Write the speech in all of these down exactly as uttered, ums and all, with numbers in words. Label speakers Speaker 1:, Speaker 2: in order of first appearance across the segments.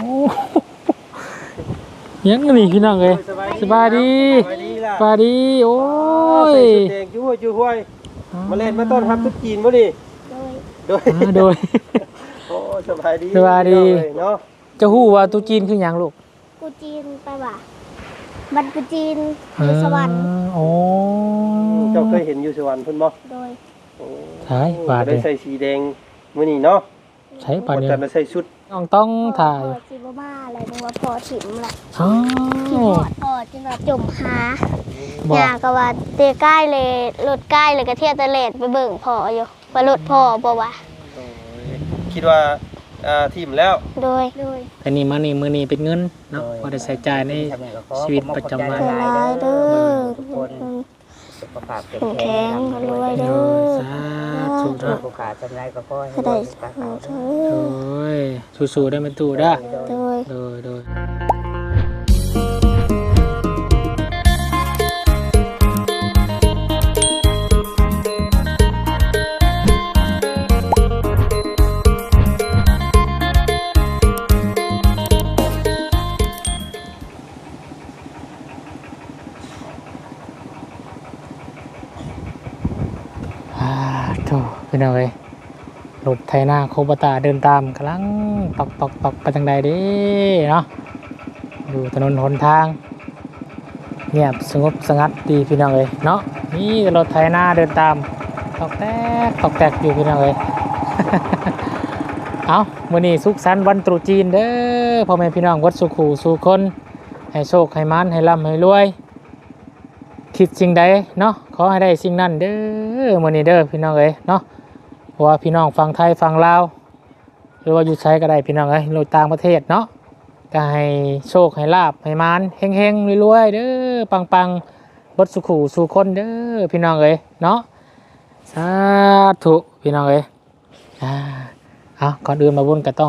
Speaker 1: ยังนี่พี่น้องเอ้ยสบายดีสบายดีโอ้ย
Speaker 2: แดงจุ้ยจุ้ยมาเล่นมาต้นทำตุ๊กจีนบ่ดิโดย
Speaker 1: โดย
Speaker 2: โอ้สบายดี
Speaker 1: สบายดี
Speaker 2: เนาะ
Speaker 1: จะฮู้ว่าตุ๊กจีนคือหยังลูก
Speaker 3: กูจีนไปว่ะบันกูจีนอยู่สวรรค์
Speaker 1: โอ้
Speaker 2: เจ้าเคยเห็นอยู่สวรรค์เพิ่นบ่
Speaker 3: โดย
Speaker 1: ใช่บาด
Speaker 2: ได้ใส่สีแดงมื้อนี้เนาะ
Speaker 1: ใช่บาดนี้
Speaker 2: จะใส่ชุด
Speaker 1: ต้องต้องถ่าย
Speaker 3: สิบ่มาอะไรนึกว่าพอถิ่มแหละ
Speaker 1: อ๋อ
Speaker 3: ถิ่มหอดพอจนแบบจมหาหญ้าก็ว่าเตะใกล้เลยรถใกล้เลยก็เที่ยวตะเลดไปเบิ่งพออยู่ว่ารถพอบ่ว่า
Speaker 2: คิดว่าอ่าทีมแล้ว
Speaker 3: โดยโดย
Speaker 1: แต่นี่มานี่มื้อนี้เป็นเงินเนาะพอได้ใช้จ่ายในชีวิตประจำวัน
Speaker 3: หลายเด้อ
Speaker 2: สุขภาพ
Speaker 3: แข็งรวยเด้อ
Speaker 1: สาธุเด้อ
Speaker 2: ผู้ขาจำได้ก็ขอให้
Speaker 3: ได้
Speaker 1: โอ้ยสู้ๆได้มั้ยตู่เด้อ
Speaker 3: โดย
Speaker 1: โดยโดยพี่น้องเอ้ยรถไถนาโคบตาเดินตามกำลังตอกตอกตอกไปทางใดเด้เนาะอยู่ถนนหนทางเงียบสงบสงัดดีพี่น้องเอ้ยเนาะนี่รถไถนาเดินตามตอกแตกตอกแตกอยู่พี่น้องเอ้ย เอามื้อนี้สุขสันต์วันตรุษจีนเด้อพ่อแม่พี่น้องวัดสุขูสู่คนให้โชคให้มันให้ร่ำให้รวยคิดสิ่งใดเนาะขอให้ได้สิ่งนั้นเด้อมื้อนี้เด้อพี่น้องเอ้ยเนาะเพราะว่าพี่น้องฟังไทยฟังลาวหรือว่าอยู่ใช้ก็ได้พี่น้องเอ้ยโลต่างประเทศเนาะก็ให้โชคให้ลาบให้มานเฮงๆรวยๆเด้อปังๆบดสุขูสู่คนเด้อพี่น้องเอ้ยเนาะสาธุพี่น้องเอ้ยอ่าเอาก่อนอื่นมาบุญก็ต้อง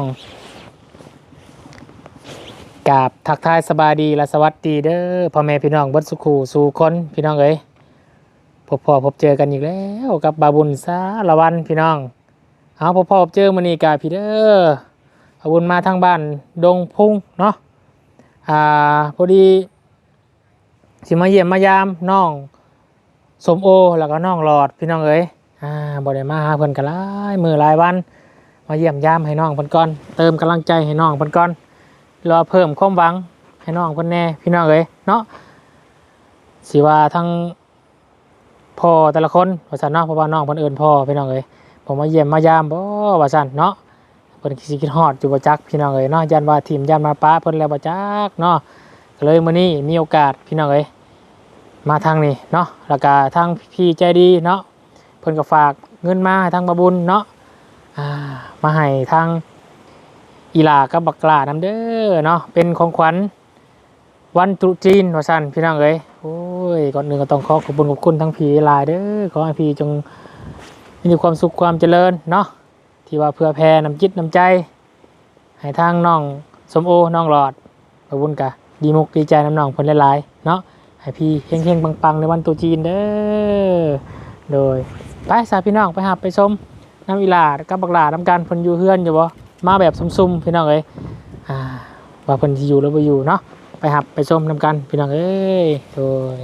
Speaker 1: กราบทักทายสบายดีและสวัสดีเด้อพ่อแม่พี่น้องบดสุขูสู่คนพี่น้องเอ้ยพบพ่อพบเจอกันอีกแล้วกับบาบุญสาละวันพี่น้องเอาพบพ่อพบเจอมื้อนี้กาพี่เด้อบาบุญมาทางบ้านดงพุ่งเนาะอ่าพอดีสิมาเยี่ยมมายามน้องสมโอแล้วก็น้องหลอดพี่น้องเอ้ยอ่าบ่ได้มาหาเพิ่นกันหลายมื้อหลายวันมาเยี่ยมยามให้น้องเพิ่นก่อนเติมกำลังใจให้น้องเพิ่นก่อนรอเพิ่มความหวังให้น้องเพิ่นแน่พี่น้องเอ้ยเนาะสิว่าทั้งพ่อแต่ละคนว่าซั่นเนาะเพราะว่าน้องเพิ่นเอิ้นพ่อพี่น้องเอ้ยผมมาเยี่ยมมายามบ่ว่าซั่นเนาะเพิ่นสิคิดฮอดอยู่บ่จักพี่น้องเอ้ยเนาะยันว่าทีมยันมาป้าเพิ่นแล้วบ่จักเนาะก็เลยมื้อนี้มีโอกาสพี่น้องเอ้ยมาทางนี้เนาะแล้วก็ทางพี่ใจดีเนาะเพิ่นก็ฝากเงินมาให้ทางบาบุญเนาะอ่ามาให้ทางอีหลากับบักหลานำเด้อเนาะเป็นของขวัญวันตรุษจีนว่าซั่นพี่น้องเอ้ยโอ้ยก่อนอื่นก็ต้องขอขอบคุณขอบคุณทั้งพี่หลายเด้อขอให้พี่จงมีความสุขความเจริญเนาะที่ว่าเพื่อแผ่น้ำจิตน้ำใจให้ทางน้องสมโอน้องหลอดขอบคุณกะดีมุกดีใจน้ำน้องเพิ่นหลายๆเนาะให้พี่เฮงๆปังๆในวันตรุษจีนเด้อโดยไปสาพี่น้องไปหาไปชมน้ำอีหลากับบักหลานำกันเพิ่นอยู่เฮือนอยู่บ่มาแบบซุ่มๆพี่น้องเอ้ยอ่าว่าเพิ่นสิอยู่หรือบ่อยู่เนาะไปหับไปชมนำกันพี่น้องเอ้ยโดย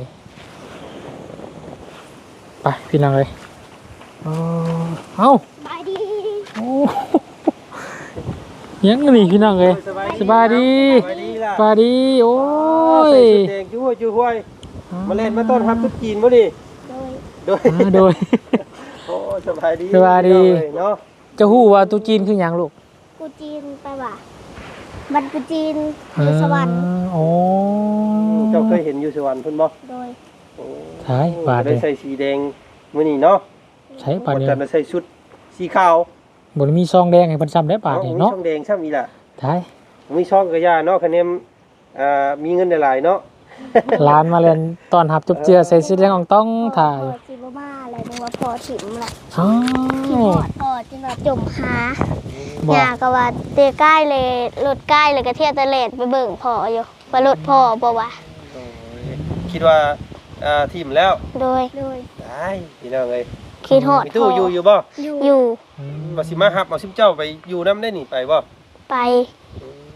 Speaker 1: ไปพี่น้องเอ้ยเอ้า
Speaker 3: สบายดี
Speaker 1: โอ้ยังนี่พี่น้องเอ้ยสบายดีสบายดีโอ้ย
Speaker 2: แดงจุ้ยจุ้ยมาเล่นมาต้นทำตุ๊กจีนบ่ดิ
Speaker 3: โดย
Speaker 2: โดย
Speaker 1: โดย
Speaker 2: โอ้สบายดี
Speaker 1: สบายดี
Speaker 2: เนาะ
Speaker 1: จะฮู้ว่าตุ๊กจีนคือหยังลูก
Speaker 3: กูจีนไปว่ะบันกูจีนอยู่สวรรค์
Speaker 1: โอ้
Speaker 2: เจ้าเคยเห็นอยู่สวรรค์เพิ่นบ่
Speaker 3: โดย
Speaker 1: ใช่บาด
Speaker 2: ได้ใส่สีแดงมื้อนี้เนาะ
Speaker 1: ใช่บาดนี้
Speaker 2: จะใส่ชุดสีขาว
Speaker 1: บ่มีซองแดงให้เพิ่นซ้ำได้บาดนี้เนาะ
Speaker 2: มีซองแดงซ้ำอีล่ะ
Speaker 1: ใช่
Speaker 2: มีซองกระยาเนาะคะแนนอ่ามีเงินหลายๆเนาะ
Speaker 1: ร้านมาเล่นตอนหับจุบเจือใส่สีแดงอ่องต้องถ่าย
Speaker 3: สิบ่มาอะไรนึกว่าพอถิ่มแหละ
Speaker 1: อ๋อ
Speaker 3: ถิ่มหอดพอจนแบบจมหาหญ้าก็ว่าเตะใกล้เลยรถใกล้เลยก็เที่ยวตะเลดไปเบิ่งพออยู่ว่ารถพอบ่ว่า
Speaker 2: คิดว่าอ่าทีมแล้ว
Speaker 3: โดยโดย
Speaker 2: ได้พี่น้องเอ้ย
Speaker 3: คิดฮอด
Speaker 2: มีตู้อยู่อยู่บ่
Speaker 3: อยู่
Speaker 2: ว่าสิมาฮับเอาซิมเจ้าไปอยู่นำได้นี่ไปบ่
Speaker 3: ไป
Speaker 2: น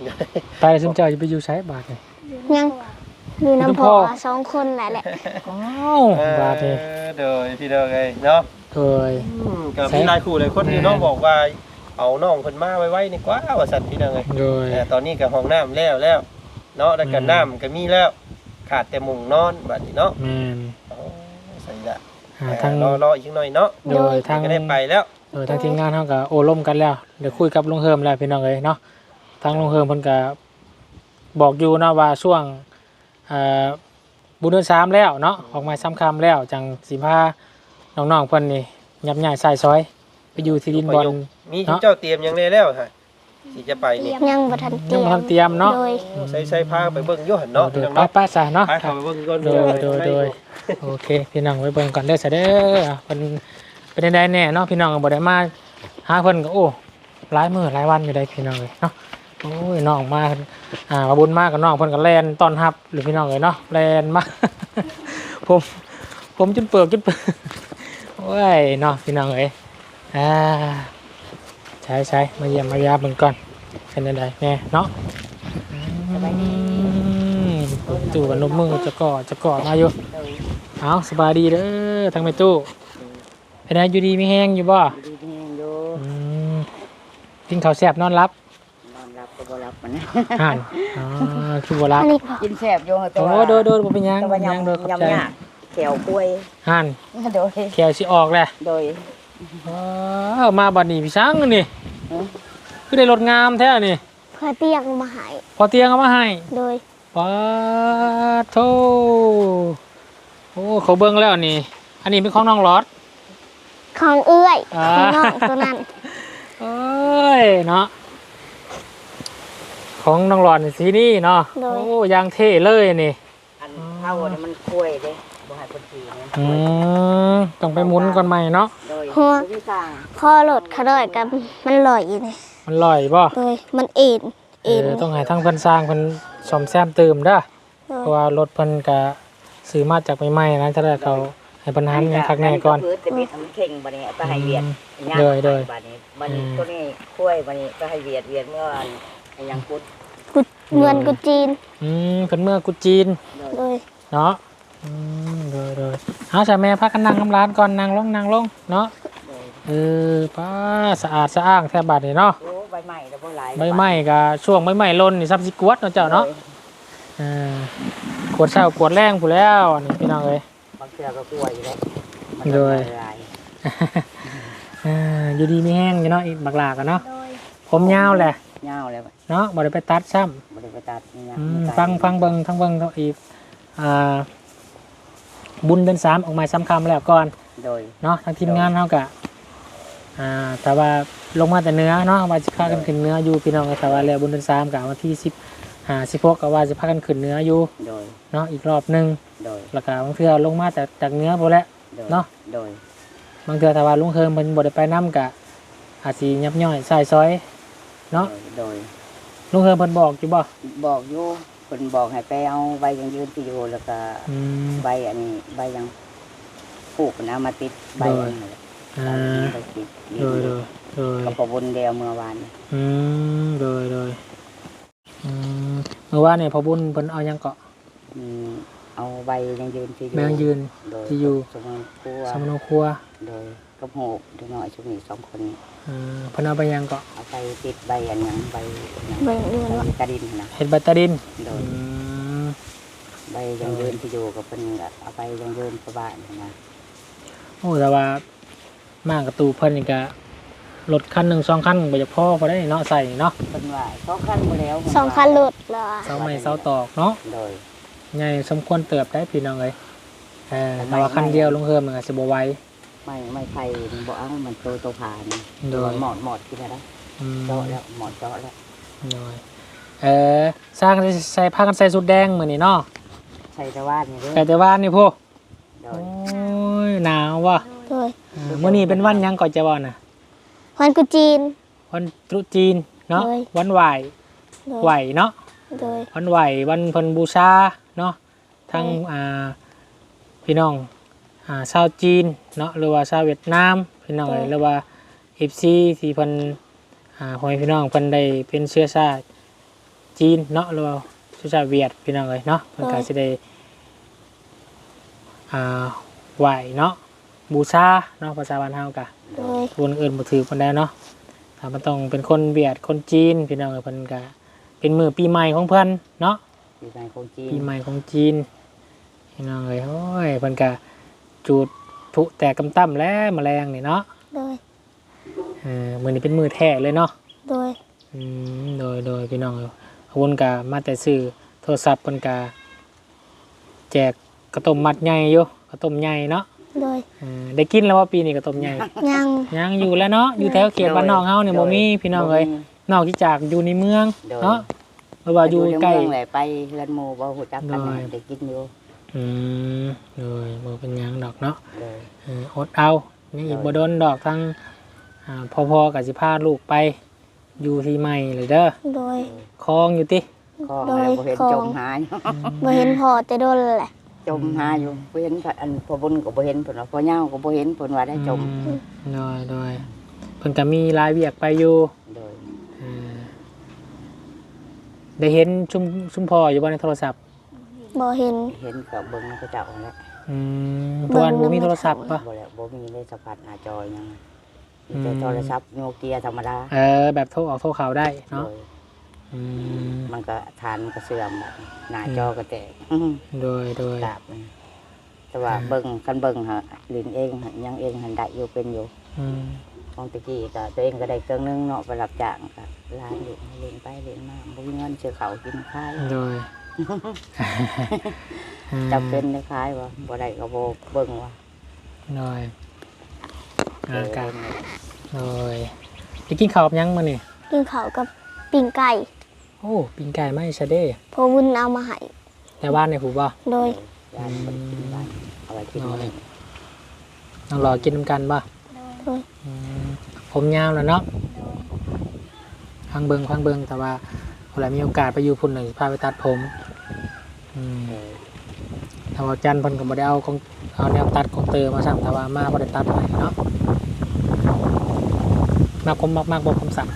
Speaker 1: ตายแล้วซุมเจ้าจะไปอยู่ใช้บาทนี่
Speaker 3: ยังอยู่น้ำพอสองคนแหละแหละ
Speaker 1: อ้าวบาทนี่
Speaker 2: เด้อพี่น้องเอ้ยเนาะ
Speaker 1: เอ้ย
Speaker 2: กับพี่นายครูเลยคนที่น้องบอกว่าเอาน้องเพิ่นมาไว้ๆนี่กว่าว่าซั่นพี่น้องเอ้ย
Speaker 1: โดย
Speaker 2: แต่ตอนนี้ก็ห้องน้ำแล้วแล้วเนาะแล้วก็น้ำก็มีแล้วขาดแต่มุ้งนอนบัดนี้เนาะ
Speaker 1: แม่น
Speaker 2: โอ้ใส่ละ
Speaker 1: หาทาง
Speaker 2: รอรออีกหน่อยเนาะ
Speaker 1: โดยทาง
Speaker 2: ก็ได้ไปแล้ว
Speaker 1: โดยทางทีมงานเฮาก็โอ้ล่มกันแล้วเดี๋ยวคุยกับลุงเฮิมแล้วพี่น้องเอ้ยเนาะทางลุงเฮิมเพิ่นก็บอกอยู่นะว่าช่วงเอ่อบุญเดือนสามแล้วเนาะออกมาซ้ำคำแล้วจังสิพาน้องๆเพิ่นนี่ยับย้ายใส่ซอยไปอยู่ที่ดินบอล
Speaker 2: มีที่เจ้าเตรียมหยังได้แล้วฮะสิจะไปนี่
Speaker 3: ยังบ่ทันเตรี
Speaker 1: ยั
Speaker 3: ย
Speaker 1: ง
Speaker 3: ม
Speaker 1: บ่ทันเตรียมเนาะ
Speaker 3: โดย
Speaker 2: ใส่ใส่ผ้าไปเบิ่งอยู่หั่นเนาะ
Speaker 1: โด
Speaker 2: พี่
Speaker 1: ย
Speaker 2: น้อง
Speaker 1: ไป
Speaker 2: เนาะ
Speaker 1: ไปซะเนาะ
Speaker 2: ไปเข้าไปเบิ่งก่อน
Speaker 1: โดยโดยโดยโอเคพี่น้องไปเบิ่งก่อนเด้อซะเด้อเพิ่นเป็นได้แน่เนาะพี่น้องก็บ่ได้มาหาเพิ่นก็โอ้หลายมื้อหลายวันอยู่ได้พี่น้องเลยเนาะโอ้ยน้องมาอ่ามาบุญมากับน้องเพิ่นก็แล่นต้อนรับหรือพี่น้องเลยเนาะแล่นมา ผมผมจนเปิกจนเปิกโอ้ยเนาะพี่น้องเอ้ยอ่าใช้ใช้มาเยี่ยมมายามเบิ่งก่อนเป็นจังไดแน่เนาะอืมตู้กับนมมือจะก่อจะก่อมาอยู่เอาสบายดีเด้อทางแม่ตู้เป็นไงอยู่ดีมีแห้งอยู่บ่
Speaker 4: ดีแห้งอยู่
Speaker 1: อืมกินข้าวแซ่บนอนรับ
Speaker 4: นอนรับก็บ่รับมัน
Speaker 1: ห่านอ๋อคือบ่รับ
Speaker 3: อันนี้พอ
Speaker 4: กินแซ่บอยู่ตั
Speaker 1: โอ้
Speaker 4: ว
Speaker 1: โดยโดยบ่เป็นหยัง
Speaker 4: ตัว
Speaker 1: บ่เป็นหยังโดยขอบ
Speaker 4: ยำ
Speaker 1: ใจ
Speaker 4: ยำยากแขวกล้วย
Speaker 1: ห่าน
Speaker 4: โดย
Speaker 1: แขวสิออกแหละ
Speaker 4: โดย
Speaker 1: ว้าวมาบัดนี้พี่ช้างนี่
Speaker 4: อืม
Speaker 1: คือได้รถงามแท้นี่
Speaker 3: เพื่อเตียงมาใหาย
Speaker 1: พอเตียงเอามาให้
Speaker 3: โดย
Speaker 1: ว้าโธ่โอ้เขาเบิ่งแล้วนี่ อันนี้เป็นของน้องหลอด
Speaker 3: ของเอื้อย
Speaker 1: อ่า
Speaker 3: ของน้องตัวนั้น
Speaker 1: เอ้ยเนาะของน้องหลอดนี่สีนี่เนาะโอ้ยางเท่เลยนี่
Speaker 4: อันเท่านี่มันกล้วยเด้บ่ให้คนขี่เนี่ย
Speaker 1: อืมต้องไปหมุนก่อนใหม่เนาะ
Speaker 4: โดย
Speaker 3: หัว
Speaker 4: ผู้สร้าง
Speaker 3: คอหลดเขาดอยกับมันลอยอยู่นี่
Speaker 1: มันลอยบ่
Speaker 3: โดยมันเอ็น
Speaker 1: เอ
Speaker 3: เอ็น
Speaker 1: อต้องให้ทั้งเพิ่นสร้างเพิ่นซ่อมแซมเติมเด้อ
Speaker 3: โด
Speaker 1: เพ
Speaker 3: ย
Speaker 1: ราะว่ารถเพิ่นก็ซื้อมาจากใหม่ๆนะถ้าได้เขาให้เพิ่นหันให้คักแน่ก่อน
Speaker 4: เพื่อจะบิดมันเข่งบัดนี้ไปให้เวียด
Speaker 1: โดยโดย
Speaker 4: บัดนี้บัดนี้ตัวนี้กล้วยบัดนี้ไปให้เวียดเวียดเมื่อวันไอ้ยังพุทธ
Speaker 3: กุดเงินกุดจีน
Speaker 1: อืมเพิ่นเมื่อกุจีน
Speaker 4: โดย
Speaker 3: โดย
Speaker 1: เนาะอืมโดยโดยเอาจ้ะแม่พักกันนั่งน้ำร้านก่อนนั่งลงนั่งลงเนาะ
Speaker 4: โดย
Speaker 1: เออป้าสะอาดสะอ้างแทบบัดนี่เนาะ
Speaker 4: โอ้ใบใหม่แล้วบ่หลาย
Speaker 1: ใบไม้ก็ช่วงใบไม้หล่นนี่ซับสิกวดเนาะเจ้าเนาะอ่ากวดเช้ากวดแรงผู้แล้วนี่พี่น้องเอ้ย
Speaker 4: บางเทื่อก็กล้วยอยู่แล้วมัน
Speaker 1: โดย
Speaker 4: หลาย
Speaker 1: อ่าอยู่ดีมีแห้งอยู่เนาะอีกบักหลากันเนาะ
Speaker 3: โดย
Speaker 1: ผมยาวแหละ
Speaker 4: เงาแล้ว
Speaker 1: เนาะบ่ได้ไปตัดซ้ำ
Speaker 4: บริไปตัดนี่นะ
Speaker 1: อืมฟังฟังเบิ่งทั้งเบิ่งทั้งอีกอ่าบุญเดือนสามออกมาซ้ำคำแล้วก่อน
Speaker 4: โดย
Speaker 1: เนาะทางทีมงานเฮากะอ่าแต่ว่าลงมาแต่เนื้อเนาะว่าสิพากันขึ้นเนื้ออยู่พี่น้องก็แต่ว่าแล้วบุญเดือนสามกะวันที่สิบห้าสิบหกก็ว่าสิพากันขึ้นเนื้ออยู่
Speaker 4: โดย
Speaker 1: เนาะอีกรอบหนึง
Speaker 4: โดย
Speaker 1: แล้วก็บางเทื่อลงมาแต่จากเนื้อบ่แล้ว
Speaker 4: โดย
Speaker 1: เนาะ
Speaker 4: โดย
Speaker 1: บางเทื่อถ้าว่าลุงเฮิมเพิ่นบ่ได้ไปนํกะอาจสิยับย่อยใส่ซอยเนาะ
Speaker 4: โดย
Speaker 1: ลุงเฮิมเพิ่นบอกอยู่บ่
Speaker 4: บอกอยู่คนบอกให้ไปเอาใบยังยืนที่อยู่แล้วก็
Speaker 1: อืม
Speaker 4: ใบอันนี้ใบยังปลูกนะมาติดใบอันนี้
Speaker 1: อ่า
Speaker 4: ใบติด
Speaker 1: โดยโดยโดย
Speaker 4: กับประวนเดียวเมื่อวาน
Speaker 1: อืมโดยโดยอืมเมื่อวานเนี่ยพอบุญเพิ่นเอาหยังเกาะ
Speaker 4: อืมเอาใบยังยืนที่อยู่
Speaker 1: แมงยืน
Speaker 4: โดย
Speaker 1: ที่อยู่
Speaker 4: สมนครัว
Speaker 1: สมโนครัว
Speaker 4: โดยกับโหกเด็กน้อยช่วงนี้สองคนนี้
Speaker 1: อืมเพิ่นเอาไปหยังเกาะ
Speaker 4: เอาไปติดใบอันหยังใบหยัง
Speaker 3: ใบเงิน
Speaker 4: ใบ
Speaker 3: วะ
Speaker 4: กระดินนะ
Speaker 1: เฮ็ดบัตรดิน
Speaker 4: โด
Speaker 1: อื
Speaker 4: ย
Speaker 1: ม
Speaker 4: ใบยังยืนที่อยู่กับเป็นก็เอาไปยังยืนประบ้านนะ
Speaker 1: โอ้แต่ว่ามากับตู้เพิ่นนี่ก็รถคันหนึ่งสองคันบ่จะพอพอได้เนาะใส่เนาะ
Speaker 4: เป็นว่าสองคันมาแล้ว
Speaker 3: สองคันหลุดเหรอ
Speaker 1: เสาไม้เสาตอกเนาะ
Speaker 4: โดย
Speaker 1: ใหญ่สมควรเติบได้พี่น้องเอ้ยเออแต่ว่าคันเดียวลงเฮิมมันก็สิบ่ไหว
Speaker 4: ไม่ไม่ไผ่บ่เอามันโตโตผ่าน
Speaker 1: โดย
Speaker 4: หมอดหมอดกินอะไร
Speaker 1: อืม
Speaker 4: เจาะแล้วหมอดเจาะแล้ว
Speaker 1: โดยเออสร้างใส่ผ้ากันใส่สุดแดงมื้อนี้เนาะ
Speaker 4: ใช่แต่ว่านี่เด้อ
Speaker 1: แต่แต่ว่านี่พวก
Speaker 4: โด
Speaker 1: โอ้
Speaker 4: ย
Speaker 1: ยหนาวว่ะ
Speaker 3: โดย
Speaker 1: เออมื่อนี้เป็นวันหยังก่อนจะวันน่ะ
Speaker 3: วันกุดจีน
Speaker 1: วันตรุษจีนเนาะ
Speaker 3: โดย
Speaker 1: วันไหว
Speaker 3: โดย
Speaker 1: ไหวเนาะ
Speaker 3: โดย
Speaker 1: วันไหววันเพิ่นบูชาเนาะทั้ง
Speaker 3: โดย
Speaker 1: อ่าพี่น้องอ่าชาวจีนเนาะหรือว่าชาวเวียดนามพี่น้องเอ้ยหรือว่าเอฟซีที่เพิ่นอ่าหอยพี่น้องเพิ่นได้เป็นเชื้อชาติจีนเนาะหรือว่าเชื้อชาติเวียดพี่น้องเอ้ยเนาะเพิ่นก็สิได้อ่าไหว้เนาะบูชาเนาะภาษาบ้านเฮาก็
Speaker 3: โดย
Speaker 1: คนอื่นบ่ถือปานใดเนาะถ้ามันต้องเป็นคนเวียดคนจีนพี่น้องเอ้ยเพิ่นก็เป็นมื้อปีใหม่ของเพิ่นเนาะ
Speaker 4: ปีใหม่ของจีน
Speaker 1: ปีใหม่ของจีนพี่น้องเอ้ยโอ้ยเพิ่นก็จุดพลุแตกกำตั้มแล้วแมลงนี่เนาะ
Speaker 3: โดย
Speaker 1: เออมื้อนี้เป็นมื้อแท้เลยเนาะ
Speaker 3: โดย
Speaker 1: อืมโดยโดยพี่น้องเอ้ยขบวนกามาแต่ซื้อโทรศัพท์เพิ่นกาแจกกระต้มมัดใหญ่อยู่กระต้มใหญ่เนาะ
Speaker 3: โดย
Speaker 1: เออได้กินแล้วว่าปีนี้กระต้มใหญ่
Speaker 3: ยัง
Speaker 1: ยังอยู่แล้วเนาะอยู่แถวเขตบ้านนอกเฮาเนี่ยบ่มีพี่น้องเอ้ยนอกจากอยู่ในเมืองเนาะหรือว่าอยู่ใกล้
Speaker 4: เมืองแหละไปเรือนหมู่บ่ฮู้จักกันได้กินอยู่
Speaker 1: อืมโดยบ่เป็นหยังดอกเนาะ
Speaker 4: เลย
Speaker 1: เอออดเอานี่อีกบ่โดนดอกทั้งอ่าพ่อๆก็สิพาลูกไปอยู่ที่ใหม่เลยเด้อ
Speaker 3: โดย
Speaker 1: คลองอยู่ติ
Speaker 4: ก็บ่เห็นจมหาอยู่
Speaker 3: บ่เห็นพ่อแต่โดนแหละ
Speaker 4: จมหาอยู่บ่เห็นอันพ่อบุญก็บ่เห็นเพิ่นว่าพ่อเหย้าก็บ่เห็นเพิ่นว่าได้จม
Speaker 1: อืโดยโดยเพิ่นก็มีรายเวียกไปอยู่
Speaker 4: โดย
Speaker 1: เออได้เห็นชุมชุมพ่ออยู่บ่ในโทรศัพท์
Speaker 3: บ่เห็น
Speaker 4: เห็นก็เบิ่งเขาเจ้าแหละ
Speaker 1: อืมเพราะว่าบ่มีโทรศัพท์ป่ะ
Speaker 4: บ่แล้วบ่มีได้สัมผัสหน้าจอหยังมี
Speaker 1: อื
Speaker 4: แต่
Speaker 1: ม
Speaker 4: โทรศัพท์โนเกียธรรมดา
Speaker 1: เออแบบโทรออกโทรข่าวได้เนาะ
Speaker 4: โดย
Speaker 1: อืม
Speaker 4: มันก็ทานมันก็เสื่อมบัดนี้หน้าจอก็แตก
Speaker 1: โดยโดย
Speaker 4: กราบมันแต่ว่าเบิ่งคันเบิ่งหาลิ้นเองหายังเองหันได้อยู่เป็นอยู่
Speaker 1: อืม
Speaker 4: ของตะกี้ก็ตัวเองก็ได้เครื่องนึงเนาะไปรับจ้างก็ร้านอยู่เล่นไปเล่นมาบ่มีเงินซื้อข้าวกินข้าว
Speaker 1: โดย
Speaker 4: จำเป็นได้ขายบ่บ่ได้ก็บ่เบิ่งว่า
Speaker 1: โดย
Speaker 4: เอ
Speaker 1: อา
Speaker 4: อก
Speaker 1: าศโดยไปกินข้าวกับหยังมื้อนี่
Speaker 3: กินข้าวกับปิ้งไก่
Speaker 1: โอ้ปิ้งไก่ไม่ซะเด้
Speaker 3: พ่อวุ้นเอามาให้
Speaker 1: แต่บ้านในผู้บ่
Speaker 3: โดย
Speaker 4: ยานคนกินบ้านเอาไว้กิน
Speaker 1: โดย
Speaker 4: เลย
Speaker 1: ต้องรอกินนำกันบ่
Speaker 3: โดย
Speaker 1: อืมผมยาวแล้วเนาะฟังเบิงฟังเบิงแต่ว่าเวลามีโอกาสไปอยู่พุ่นหนึ่งพาไปตัดผมอืม
Speaker 4: เออ
Speaker 1: ถ้าว่าจันทร์เพิ่นก็บ่ได้เอาของเอาแนวตัดของเตอมาสั่งแต่ว่ามาบ่ได้ตัดให้เนาะมากผมมากมากบ่ผมสั่ง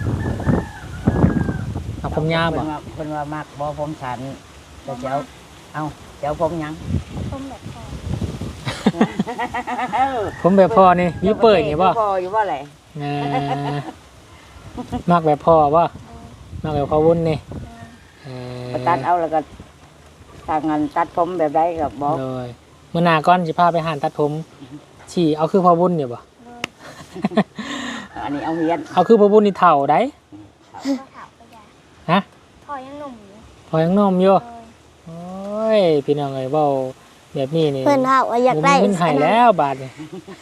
Speaker 1: มากผมยาวบ่
Speaker 4: เพิ่นว่าเพิ่นว่ามักบ่ผมฉันแต่เจ้าเอาเจ้าผมหยัง
Speaker 3: ต้มแบบพ่อ
Speaker 1: ผมแบบพ่อนี่วิวเปิดนี่บ่
Speaker 4: พออยู่บ่แหละ
Speaker 1: เออมากแบบพ่อบ่มากแบบพ่อวุ้นนี่เออ
Speaker 4: ไปตัดเอาแล้วก็ทางงานตัดผมแบบใดก็บอก
Speaker 1: เลยมื้อหน้าก่อนสิพาไปหานตัดผมฉี่เอาคือพ่อวุ้นนี่บ่
Speaker 4: อันนี้เอาเฮียน
Speaker 1: เอาคือพ่อบุญนี่เถ่าได้
Speaker 3: พ่อถามไปยัง
Speaker 1: ฮะ
Speaker 3: พ่อยังหนุ่มอยู่
Speaker 1: พอยังนมอยู่
Speaker 3: เออ
Speaker 1: โอ้ยพี่น้องเอ้ยเว้าแบบนี้นี่
Speaker 3: เพิ่นถามว่าอยากได้
Speaker 1: บ่มีเงินให้แล้วบาทนี่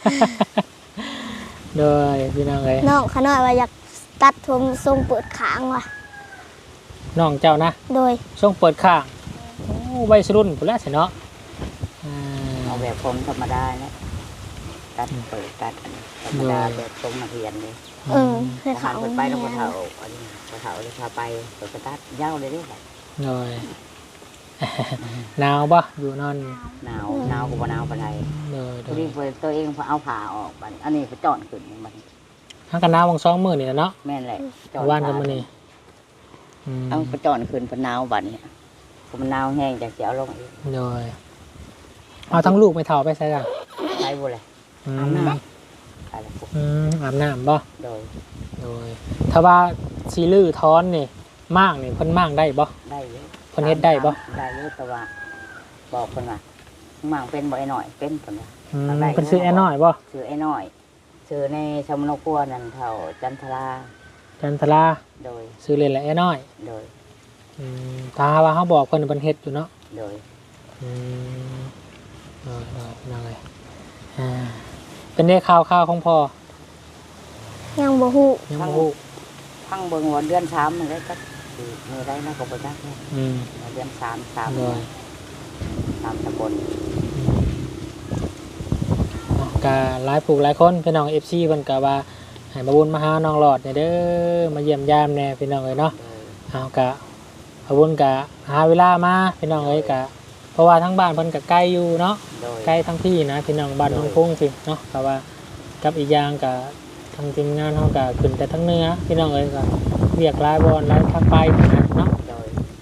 Speaker 1: โดยพี่น้องเอ้ย
Speaker 3: น้องขน้อยว่าอยากตัดผมทรงเปิดขางว่ะ
Speaker 1: น้องเจ้านะ
Speaker 3: โดย
Speaker 1: ช่วงเปิดข้างโอ้วัยรุ่นพุ่นแหล้วสิเนาะอ่า
Speaker 4: เอาแบบผมธรรมดาเนี่ยตัดเปิดตัดอันนี้ธรรมดาแบบทรงนักเรียนเลย
Speaker 3: เออให้
Speaker 4: พอ
Speaker 3: เขา
Speaker 4: หันเปิดไปแล้วพอเฒ่าอันนี้พอเฒ่าเลยพาไปเปิดกระตัดยาวเลยเด้อ
Speaker 1: โดย หนาวบ่อยู่นอน
Speaker 4: หนาวหนาวก็บ่หนาวปานใด
Speaker 1: โดยโด
Speaker 4: พอย ดีเปิดตัวเองพอเอาผ้าออกบัดนี้อันนี้พอจอนขึ้นมัน
Speaker 1: ทางกันหนาววังสองมื้อนี่แหละเนาะ
Speaker 4: แม่นแหละจอ
Speaker 1: ว่านกันมื้อนี้อืม
Speaker 4: เอาพอจอนขึ้นพอหนาวบัดนี้พอมันหนาวแห้งจากสิเอาลงอีก
Speaker 1: โดยเอาทั้งลูกไม่เฒ่าไปใส่กัน
Speaker 4: ใช้บ่เลย
Speaker 1: อื
Speaker 4: อาบ
Speaker 1: ม
Speaker 4: น้ำอะไรพวก
Speaker 1: อืมอาบน้ำบ่
Speaker 4: โดย
Speaker 1: โดยถ้าว่าซีลื้อท้อนนี่มากนี่เพิ่นมากได้บ่
Speaker 4: ได้เยอะ
Speaker 1: เพิ่นเฮ็ดได้บ่
Speaker 4: ได้เยอะแต่ว่าบอกเพิ่นว่าหมั่งเป็นบ่ไอ้หน่อยเป็นเพิ่นว่า
Speaker 1: อืม
Speaker 4: ได้
Speaker 1: เพิ่นซื้อแอร์น้อยบ่
Speaker 4: ชื่อไอ้น้อยชื่อในชมนครัวนั่นเท่าจันทรา
Speaker 1: จันทรา
Speaker 4: โดย
Speaker 1: ซื้อเล่นละแอร์น้อย
Speaker 4: โดย
Speaker 1: อืมถ้าว่าเฮาบอกเพิ่นเพิ่นเฮ็ดอยู่เนาะ
Speaker 4: โดย
Speaker 1: อืมเออเออนั่นเลยอ่าเป็นได้ข่าวข่าวของพ่อ
Speaker 3: ยังบ่ฮู้
Speaker 1: ยังบ่ฮู้
Speaker 4: พังเบิ่งวันเดือนสามมันได้ก็สิมีได้นะก็บ่จักเนี่ย
Speaker 1: อืม
Speaker 4: เดือนสามสาม
Speaker 1: โดย
Speaker 4: สามตำบล
Speaker 1: อืมเนาะก็หลายผู้หลายคนพี่น้อง เอฟ ซี เพิ่นก็ว่าให้มาบุญมาหาน้องหลอดเนี่ยเด้อมาเยี่ยมยามแน่พี่น้องเอ้ยเนาะ
Speaker 4: โดย
Speaker 1: เอากะอาวุธกะหาเวลามาพี่น้องเอ้ยกะเพราะว่าทั้งบ้านเพิ่นกะใกล้อยู่เนาะ
Speaker 4: โดย
Speaker 1: ใกล้ทั้งพี่นะพี่น้องบ้านน้องพุ่งพี่เนาะแต่ว่ากับอีกอย่างกะทางทีมงานเฮากะขึ้นแต่ทั้งเหนือพี่น้องเอ้ยกะเรียกหลายบอลหลายทางไปนะเนาะ
Speaker 4: โดย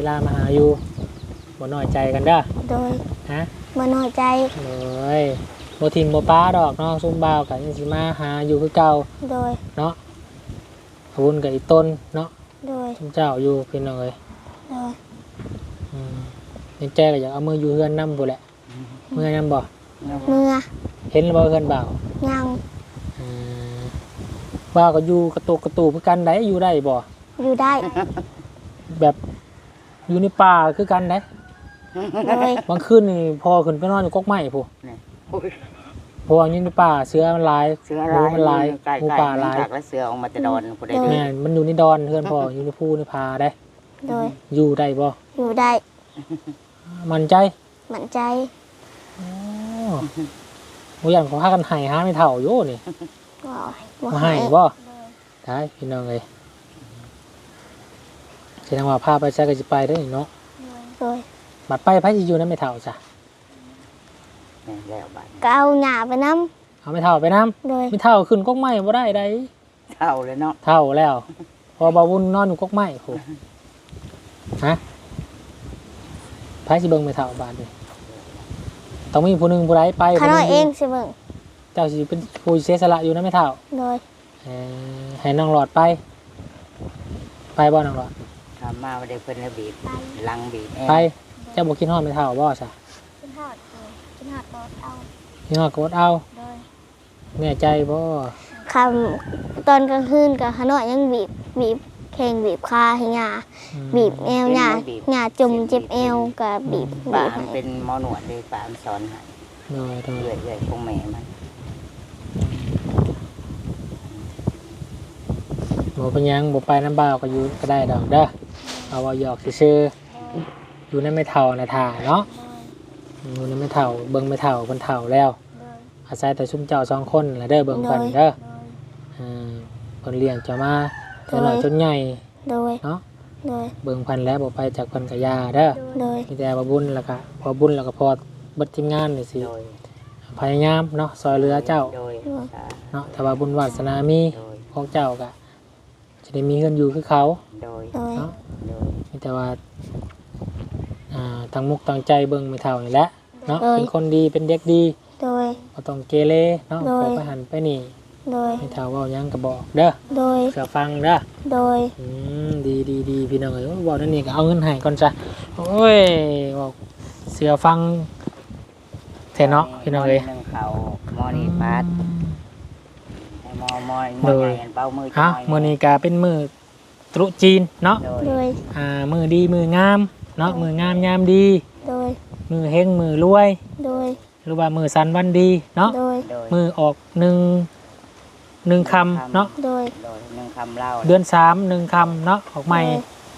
Speaker 1: ลามาหาอยู่บ่น้อยใจกันเด้อ
Speaker 3: โดย
Speaker 1: ฮะ
Speaker 3: บ่น้อยใจ
Speaker 1: เลยบ่ทิมบ่ป้าดอกน้องซุ่มบ่าวกันสิมาหาอยู่คือเก่า
Speaker 3: โดย
Speaker 1: เนาะอาวุธกับอีต้นเนาะ
Speaker 3: โดย
Speaker 1: ซุ่มเจ้าอยู่พี่น้องเอ้ย
Speaker 3: โดย
Speaker 1: อืมยังแจ้ก็อยากเอามืออยู่เฮือนนำบ่แหละเมื่อนำบ่
Speaker 3: เมื่อ
Speaker 1: เห็นบ่เฮือนบ่าว
Speaker 3: ยัง
Speaker 1: อืมบ่าวก็อยู่กระตุกกระตูคือกันได้อยู่ได้บ่
Speaker 3: อยู่ได้
Speaker 1: แบบอยู่ในป่าคือกันได้
Speaker 3: โดย
Speaker 1: บางคืนนี่พอขึ้นไปนอนอยู่กกไม้พู
Speaker 4: โอ้ย
Speaker 1: เพราะว่าอยู่ในป่าเสือมันหลาย
Speaker 4: เสือ
Speaker 1: หมู
Speaker 4: ลาย
Speaker 1: มันหลาย
Speaker 4: ใกล้
Speaker 1: หมู
Speaker 4: ๆ
Speaker 1: ป่าหลาย
Speaker 4: จากแล้วเสือออกมาจะดอนผู้ใด
Speaker 1: แม่นมันอยู่ในดอนเฮือนพ่ออยู่ในภูในผาได้
Speaker 3: โดย
Speaker 1: อยู่ได้บ่
Speaker 3: อยู่ได้
Speaker 1: มั่นใจ
Speaker 3: มั่นใจ
Speaker 1: โอ้บ่อยากเขาพากันให้หาไม่เท่าอยู่นี่
Speaker 3: บ่
Speaker 1: มาให้บ่ได้พี่น้องเอ้ยแสดงว่าพาไปใช้ก็สิไปได้อนี่เนาะ
Speaker 3: โดย
Speaker 1: บัดไปไผสิอยู่นำไม่เท่าจ้ะ
Speaker 4: แม่นแล้วบัด
Speaker 3: ก็เอาหญ้าไปนำ
Speaker 1: เอาไม่เท่าไปนํ
Speaker 3: โดย
Speaker 1: ไม่เท่าขึ้นกกไม้บ่ได้ใด
Speaker 4: เท่าเลยเนาะ
Speaker 1: เท่าแล้ว พอบ่าววุ่นนอนอยู่กกไม้พูฮะไผสิเบิ่งไม่เท่าบาดนี้ต้องมีผู้หนึงผู้ใดไป
Speaker 3: ข้า
Speaker 1: ผู้ห
Speaker 3: น้
Speaker 1: นึ่
Speaker 3: อย
Speaker 1: ง
Speaker 3: เองสิเบิ่ง
Speaker 1: เจ้าสิเป็นผู้เสียสละอยู่นำไม่เท่า
Speaker 3: โดย
Speaker 1: เอ่อให้น้องหลอดไป ไปบ่น้องหลอด
Speaker 4: ทำมาบ่ได้เพิ่นแล้วบีบลังบีบแอร์
Speaker 1: ไปเจ้าบ่กินฮอดไม่เท่าบ่ซะ
Speaker 3: กินฮอดกินฮอดบ่เอา
Speaker 1: กินฮอดก็อดเอา
Speaker 3: โดย
Speaker 1: แน่ใจบ่
Speaker 3: คำตอนกลางคืนกับข้าน้อยยังบีบบีบแข่งบีบคาให้หญ้า
Speaker 1: อืม
Speaker 3: บีบแอวหญ้าหญ้าจมเจ็บเอวก็บีบ
Speaker 4: ป่า
Speaker 3: บีบ
Speaker 4: มัน
Speaker 3: ให้
Speaker 4: เป็นหมอหนวดเลยป่ามันสอนให้
Speaker 1: โดยโดย
Speaker 4: เรื่อยๆคงแม่มัน
Speaker 1: บ่เป็นหยังบ่ไปน้ำบ่าวก็อยู่ก็ได้ดอกเด้อเอาว่าหยอกซื่อๆอยู่ในไม่เท่านะท่าเนาะอยู่ในไม่เท่าเบิ่งไม่เท่าเพิ่นเท่าแล้ว อาศัยแต่ซุมเจ้าสองคนแหละเด้อเบิ่งเพิ่นเด้ออ่าเพิ่นเลี้ยงเจ้ามาจนน้อยจนใหญ่
Speaker 3: โดย
Speaker 1: เนาะ
Speaker 3: โดย
Speaker 1: เบิ่งเพิ่นแล้วบ่ไปจากเพิ่นก็ย่าเด้อ
Speaker 3: โดย
Speaker 1: มีแต่ว่าบุญแล้วก็พอบุญแล้วก็พอเบิดทีมงานนี่สิ
Speaker 4: โดย
Speaker 1: พยายามเนาะซอยเหลือเจ้า
Speaker 4: โดยสา
Speaker 1: เนาะถ้าว่าบุญวาสนามี
Speaker 4: โดย
Speaker 1: ของเจ้าก็จะได้มีเงินอยู่คือเขา
Speaker 4: โดย
Speaker 3: โดย
Speaker 1: เนาะ
Speaker 4: โดย
Speaker 1: มีแต่ว่าอ่าตั้งมุกตั้งใจเบิ่งไม่เท่านี่แหละเนาะเป็นคนดีเป็นเด็กดี
Speaker 3: โดย
Speaker 1: บ่ต้องเกเรเนาะ
Speaker 3: โดย
Speaker 1: ขอไปหันไปนี่
Speaker 3: โดย
Speaker 1: ไม่เท่าเว้าหยังก็บอกเด้อ
Speaker 3: โดย
Speaker 1: เสือฟังเด้อ
Speaker 3: โดย
Speaker 1: อืมดีดีดีพี่น้องเอ้ยเว้านั่นนี่ก็เอาเงินให้ก่อนจ้ะโอ้ยเว้าเสือฟังแท้เนาะพี่น้องเอ้ย
Speaker 4: หนึ่งเขาหมอนี่ปาดให้หมอหมอหมอ
Speaker 1: โด
Speaker 4: ให
Speaker 1: ย
Speaker 4: ญ่เป้ามือ
Speaker 1: ฮะมื้อนี้ก็เป็นมื้อตรุษจีนเนาะ
Speaker 4: โดย
Speaker 3: โดย
Speaker 1: อ่ามื้อดีมื้องามเนาะมื้องามยามดี
Speaker 3: โดย
Speaker 1: มื้อเฮงมื้อรวย
Speaker 3: โดย
Speaker 1: หรือว่ามื้อสันวันดีเนาะ
Speaker 3: โดย
Speaker 4: โดย
Speaker 1: มื้อออกหนึ่งหนึ่งคำเนาะ
Speaker 3: โดย
Speaker 4: โดยหนึ่งคำเล่า
Speaker 1: เดือนสามหนึ่งคำเนาะออกใหม่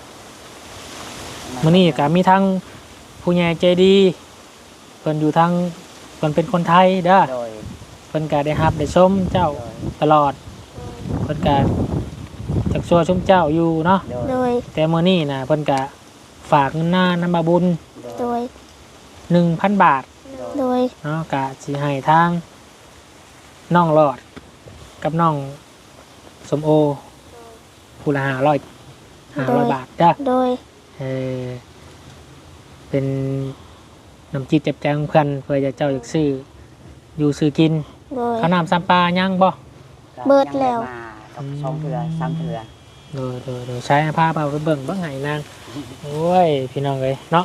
Speaker 1: มื้อนี้ก็มีทั้งผู้ใหญ่ใจดีเพิ่นอยู่ทั้งเพิ่นเป็นคนไทยเด้อ
Speaker 4: โดย
Speaker 1: เพิ่นก็ได้รับได้ชมเจ้า
Speaker 4: โดย
Speaker 1: ตลอดเพิ่นก็จักชัวชมเจ้าอยู่เนาะ
Speaker 4: โดย
Speaker 3: โดย
Speaker 1: แต่มื้อนี้น่ะเพิ่นก็ฝากเงินหน้านำมาบุญ
Speaker 3: โดย
Speaker 1: หนึ่งพัน บาท
Speaker 3: โดย
Speaker 1: เนาะก็สิให้ทางน้องหลอดกับน้องสมโอผู้ละห้าร้อยห้าร้อยบาทเด้อ
Speaker 3: โดย
Speaker 1: เออเป็นน้ำจิตเจ็บใจของเพื่อนเพื่อจะเจ้าอยากซื้ออยู่ซื้อกิน
Speaker 3: โดย
Speaker 1: ข้าวน้ำซัมปลายังบ่
Speaker 3: เบิดแล้ว
Speaker 4: ยังได้มากับสองเถื่อสามเถื่อ
Speaker 1: โดยโดยโดยใช้ผ้าเปล่าไปเบิ่งเบิ่งไห้นางโอ้ยพี่น้องเลยเนาะ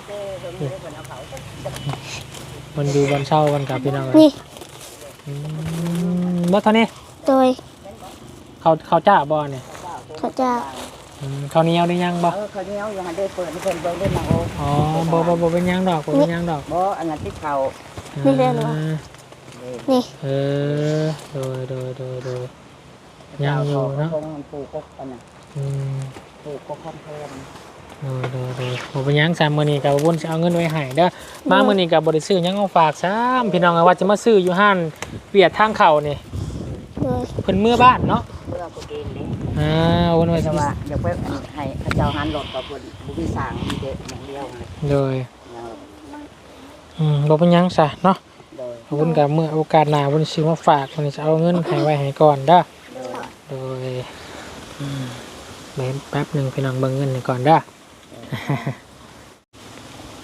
Speaker 1: มันอยู่บนเช่ากันกับพี่น้องเลย
Speaker 3: นี่
Speaker 1: อืมบ่เท่านี้
Speaker 3: โดย
Speaker 1: เขาเขาจ้าบ่เนี่ย
Speaker 3: เขาจะ
Speaker 1: อืมเขาวเหนียวได้ยังบ่
Speaker 4: เออเขาวเหนี้ยวยังได้เปิดให้เพิ่นเบิ่งได้มาโอ้
Speaker 1: อ๋อบ่บ่บ่เป็นหยังดอกบ่เป็นหยังดอก
Speaker 4: บ่อันนั้นที่เขา
Speaker 3: นี่เรียกเหรอ
Speaker 1: อ่า
Speaker 3: นี่
Speaker 1: เออโดยโดยโดยโดยยังอยู่เนาะ
Speaker 4: คงปลูกกกอันน่ะ
Speaker 1: อืม
Speaker 4: ปลูกกกคอนเทน
Speaker 1: โดยโดยโดยบ่เป็นหยังซามมื้อนี้ก็บ่วนสิเอาเงินไว้ให้เด้อมามื้อนี้ก็บ่ได้ซื้อหยังเอาฝากซ้ำพี่น้องว่าจะมาซื้ออยู่ห้านเวียดทางเข้านี่
Speaker 3: โดย
Speaker 1: เพิ่นเมื่อบ้านเนาะ
Speaker 4: เพื่อกูกินนี่
Speaker 1: อ่าวนไว้
Speaker 4: แต่
Speaker 1: สิ
Speaker 4: ว่าอยากไปให้พระเจ้าหันรถกับเพิ่นบ่มีสร้างมีเด็กอย่างเดียวเลย
Speaker 1: โดย
Speaker 4: ยัง
Speaker 1: อืมบ่เป็นหยังซะเนาะ
Speaker 4: โดย
Speaker 1: ขอบคุณกับมื้อโอกาสหน้าเพิ่นสิมาฝากเพิ่นสิเอาเงินให้ไว้ให้ก่อนเด้อ
Speaker 4: โดย
Speaker 1: โดยอืมแป๊บแป๊บหนึงพี่น้องเบิ่งเงินให้ก่อนเด้อ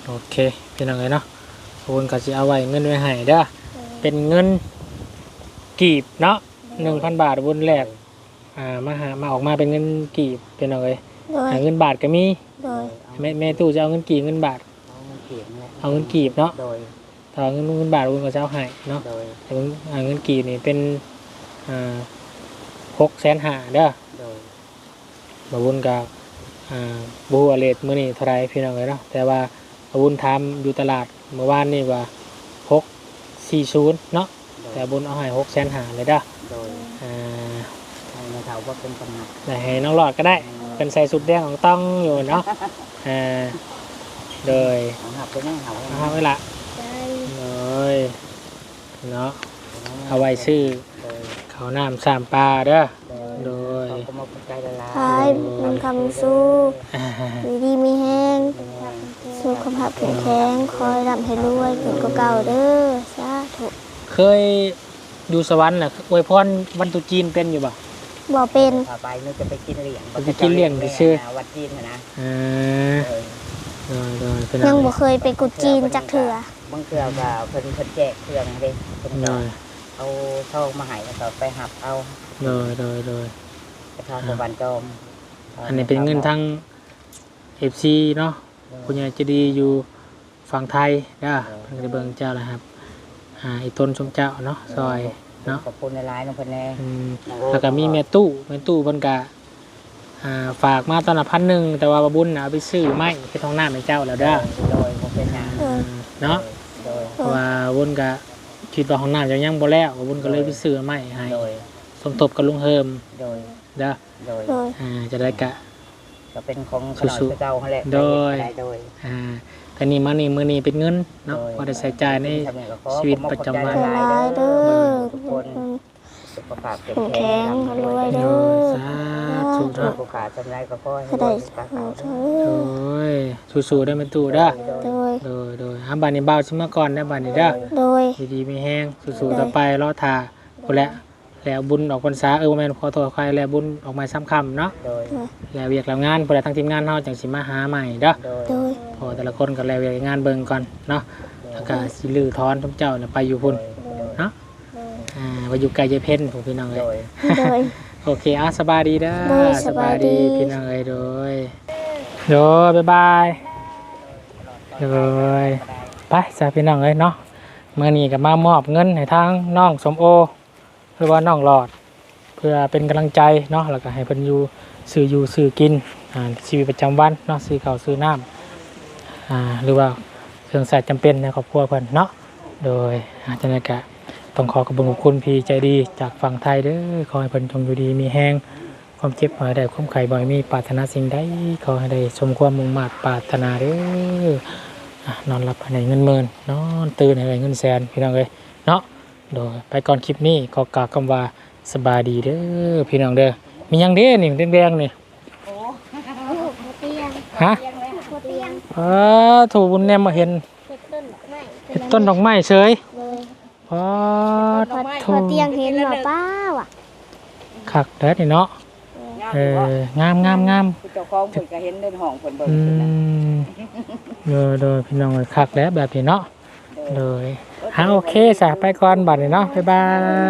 Speaker 1: โอเคพี่น้องเลยเนาะขอบคุณก็สิเอาไว้เงินไว้ให้เด้อเป็นเงินกีบเนาะหนึ่งพันบาทบนแรกอ่ามาหามาออกมาเป็นเงินกีบพี่น้องเลย
Speaker 3: โดย
Speaker 1: หาเงินบาทก็มี
Speaker 3: โดย
Speaker 1: แม่แม่ตู้จะเอาเงินกีบเงินบาท
Speaker 4: เอาเงินเขียนแหละ
Speaker 1: เอาเงินกีบเนาะ
Speaker 4: โดย
Speaker 1: ถ้าเอาเงินเงินบาทคุณก็จะเอาให้เนาะ
Speaker 4: โดย
Speaker 1: แต่เงินอ่าเงินกีบนี่เป็นอ่าหกแสนห้าเด้อ
Speaker 4: โดย
Speaker 1: บาวุนกับอ่าบูอเลตมื้อนี้เท่าไรพี่น้องเลยเนาะแต่ว่าบาวุนทำอยู่ตลาดเมื่อวานนี่ว่าหกสี่ศูนย์เนาะแต่บุญเอาให้หกแสนห้าเลยเด้อ
Speaker 4: โดย
Speaker 1: อ่า
Speaker 4: ให้ในเท่าว่าเป็นกำหนัด
Speaker 1: ได้ให้น้องหลอดก็ได้เป็นใส่สุดแดงของต้องอยู่เนาะอ่าโดย
Speaker 4: ของหับเป็นยังหับ
Speaker 1: เอาไว้ละ
Speaker 3: ใจ
Speaker 1: เลยเนาะเอาไว้ซื้อ
Speaker 4: โดย
Speaker 1: ข้าวน้ำสามปลาเด้อ โดย
Speaker 4: เขาก็มาเป็นใจละลาย
Speaker 3: พายมันคำสู้
Speaker 1: อ่า
Speaker 3: ดีดีมีแห้งสุขภาพแข็งแรงคอยร่ำให้รวยเกิดก็เก่าเด้อสาธุ
Speaker 1: เคยอยู่สวรรค์น่ะอวยพรวันตรุษจีนเป็นอยู่บ่
Speaker 3: บ่เป็น
Speaker 4: พาไปนึกจะไปกินเหรียญ
Speaker 1: ไปกินเหรียญไปซื้อ
Speaker 4: วัดจีนนะ
Speaker 1: อ่า
Speaker 4: เออ
Speaker 1: โดยโดยเป็น
Speaker 3: ยัง
Speaker 1: อะไร
Speaker 3: บ่เคยไปกุดจีนจักเถื่อบ
Speaker 4: างเทื่อก็เพิ่นเพิ่นแจกเครื่องเด้เพิ่น
Speaker 1: โด
Speaker 4: ก็
Speaker 1: ย
Speaker 4: เอาเข้ามาให้แล้วก็ไปหับเอา
Speaker 1: โดยโดยโดย
Speaker 4: ไปทางสวรรค์จอม
Speaker 1: อันนี้เป็นเงินทั้ง เอฟ ซี เนาะคุณยายจะดีอยู่ฝั่งไทยนะเพิ่นก็ได้เบิ่งเจ้าแล้วครับอ่าอีต้นชมเจ้าเนาะซอยเนาะ
Speaker 4: ขอบคุณในร้ายน้องเพิ่นแน่
Speaker 1: อืมแล้วก็มีแม่ตู้แม่ตู้เพิ่นก็อ่าฝากมาตอนละพันหนึ่งแต่ว่าบาบุญน่ะเอาไปซื้อไม้ไปท้องหน้าให้เจ้าแล้วเด้อ
Speaker 4: โดยบ่เป็นหยัง
Speaker 3: เออ
Speaker 1: เนาะ
Speaker 4: โดย
Speaker 1: เพราะว่าบุญก็คิดว่าห้องน้ำจะยังบ่แล้วบุญก็เลยไปซื้อไม้ให้
Speaker 4: โดย
Speaker 1: สมทบกับลุงเฮิม
Speaker 4: โดย
Speaker 1: เด้อ
Speaker 4: โดย
Speaker 3: โดย
Speaker 1: อ่าจะได้กะ
Speaker 4: ก็เป็นของขนม
Speaker 1: สู้ๆ
Speaker 4: เจ้าเขาแหละ
Speaker 1: โดย
Speaker 4: ได้โดย
Speaker 1: อ่าแต่นี่มานี่มื้อนี้เป็นเงินเนาะ
Speaker 4: โดย
Speaker 1: พอได้ใช้จ่ายใน
Speaker 4: ทำให้ก็ขอ
Speaker 1: ชีวิตประจำวัน
Speaker 3: ใจร้ายเด้อ
Speaker 4: ทุกคนสุขภาพ
Speaker 3: แข็งแข็งรวย
Speaker 1: โด
Speaker 3: เด้อย
Speaker 1: สาธุเนาะ
Speaker 4: ผู้ขาจำได้ก็ขอให้
Speaker 3: ก็ได้
Speaker 4: ปาก
Speaker 3: เอ
Speaker 4: เขา
Speaker 3: อเธ
Speaker 1: โด
Speaker 3: อย
Speaker 1: สู้ๆได้อแม่ตู้เด้อ
Speaker 3: โดย
Speaker 1: โดยโดยอ่าบัดนี้เบาชิมาก่อนได้อบัดนี้เด้อ
Speaker 3: โดย
Speaker 1: ดีๆไม่แห้งสู้ๆต่อไปรอท่าพุ่นแหละแล้วบุญออกพรรษาเออบ่แม่นขอโทษใครแล้วบุญออกมาซ้ำค่ำเนาะ
Speaker 4: โดย
Speaker 1: แล้วเวียกแล้วงานพุ่นแหละทั้งทีมงานเฮาจังสิมาหาใหม่เด้อ
Speaker 4: โดย
Speaker 3: โดย
Speaker 1: พอแต่ละคนก็แล้วเวียกงานเบิ่งก่อนเนาะแล้วก็สิลือถอนทุกเจ้าน่ะไปอยู่พุ่นเนาะอ่าไปอยู่ไกลยายเพ็ญผมพี่น้องเอ้
Speaker 4: โด
Speaker 1: ย
Speaker 4: ย
Speaker 3: โดย
Speaker 1: โอเคอ่ะสบายดีเด้อ
Speaker 3: โดยสบายดี
Speaker 1: พี่น้องเอ้ยโดยโดยบ๊ายบายโดยไปจ้าพี่น้องเอ้ยเนาะเมื่อนี้ก็มามอบเงินให้ทางน้องสมโอหรือว่าน้องหลอด เพื่อเป็นกำลังใจเนาะแล้วก็ให้เพิ่นอยู่ซื้ออยู่ซื้อกินอ่าชีวิตประจำวันเนาะซื้อข้าวซื้อน้ำอ่าหรือว่าเครื่องใช้จำเป็นในครอบครัวเพิ่นเนาะโดยอาจารย์กะต้องขอขอบคุณขอบคุณพี่ใจดีจากฝั่งไทยเด้อขอให้เพิ่นจงอยู่ดีมีแห้งความเจ็บหายได้ความไข้บ่อยมีปรารถนาสิ่งใดขอให้ได้สมความมุ่งมั่นปรารถนาเด้ออ่ะนอนหลับให้ได้เงินหมื่นนอนตื่นให้ได้เงินแสนพี่น้องเอ้ยเนาะโดยไปก่อนคลิปนี้ขอกล่าวคำว่าสบายดีเด้อพี่น้องเด้อมีหยังเด้นี่แดงๆนี่
Speaker 3: เตียง
Speaker 1: ฮะ
Speaker 3: เตียง
Speaker 1: เออถูกบุญแนมมาเห็น
Speaker 3: เฮ็ดต้นดอกไม้
Speaker 1: เห็นต้นดอกไม้เฉย
Speaker 3: เลย
Speaker 1: พอ
Speaker 3: พอ
Speaker 1: ถู
Speaker 3: พอก เตียงเห็นหรอป้าว่ะ
Speaker 1: คักเด้อนี่เนาะเอองามงามงาม
Speaker 4: เจ้าของเพิ่นก็เห็นในห้องเพิ่นเบิ่ง
Speaker 1: อื
Speaker 4: เพิ่นน่ะ
Speaker 1: มโดยโดยพี่น้องเอ้ยคักแล้วแบบนี้เนาะโดยฮะโอเคจ้ะไปก่อนบัดนี้เนาะบ๊ายบาย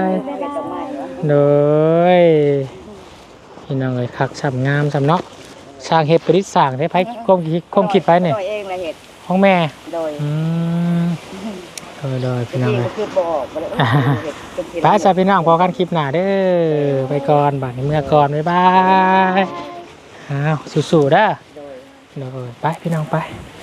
Speaker 4: เฮ็ดดอกไม้วะ
Speaker 1: โดยพี่น้องเอ้ยคักสำงามสำเนาะสร้างเฮ็ดประดิษฐ์สร้างได้ไผความคิดความคิดไปเนี่ย
Speaker 4: ตัวเองละเฮ็ด
Speaker 1: ของแม่
Speaker 4: โดย
Speaker 1: อืมโดยโดยพี่น้อง
Speaker 4: จริง
Speaker 1: เอ้
Speaker 4: ก็
Speaker 1: ย
Speaker 4: คือบ่ออกบ่ได้เฮ็ดเป็นที
Speaker 1: ไปจ้ะพี่น้องพอกันคลิปหน้าเด้อไปก่อนบัดนี้เมื่อก่อนบ๊ายบายอ้าวสู้ๆเด้อ
Speaker 4: โดย
Speaker 1: โดยไปพี่น้องไป
Speaker 4: โ